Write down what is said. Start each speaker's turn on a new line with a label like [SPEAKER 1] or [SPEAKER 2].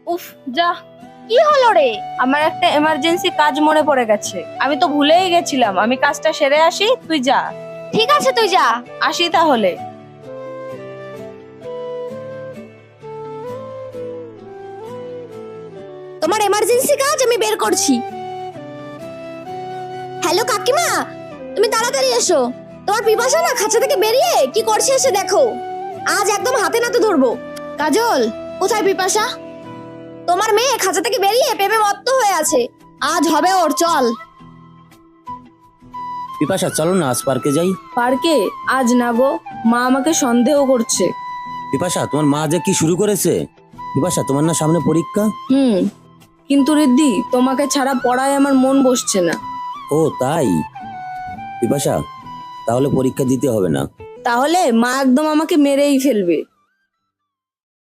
[SPEAKER 1] উফ, যা।
[SPEAKER 2] কি হলো রে?
[SPEAKER 1] আমার একটা এমার্জেন্সি কাজ মনে পড়ে গেছে, আমি তো ভুলেই গেছিলাম। আমি কাজটা সেরে আসি, তুই যা।
[SPEAKER 2] ঠিক আছে, তুই যা।
[SPEAKER 1] আসি তাহলে।
[SPEAKER 2] তোমার এমার্জেন্সি কাজ আমি বের করছি। হ্যালো কাকিমা, তুমি তাড়াতাড়ি এসো। তোমার পিপাসা না খাঁচা থেকে বেরিয়ে কি করছে এসে দেখো। আজ একদম হাতে নাতে ধরবো। কাজল, কোথায় পিপাসা? তোমার মেয়ে খাঁচা থেকে বেরিয়ে প্রেমে মত্ত হয়ে আছে। আজ হবে ওর, চল।
[SPEAKER 3] বিপাশা চলো না আজ পার্কে যাই।
[SPEAKER 1] পার্কে? আজ না গো, মা আমাকে সন্দেহ করছে।
[SPEAKER 3] বিপাশা তোমার মা যে কি শুরু করেছে। বিপাশা তোমার না সামনে পরীক্ষা।
[SPEAKER 1] কিন্তু রিদ্ধি, তোমাকে ছাড়া পড়ায় আমার মন বসছে না।
[SPEAKER 3] ও তাই? বিপাশা তাহলে পরীক্ষা দিতে হবে না।
[SPEAKER 1] তাহলে মা একদম আমাকে মেরেই ফেলবে।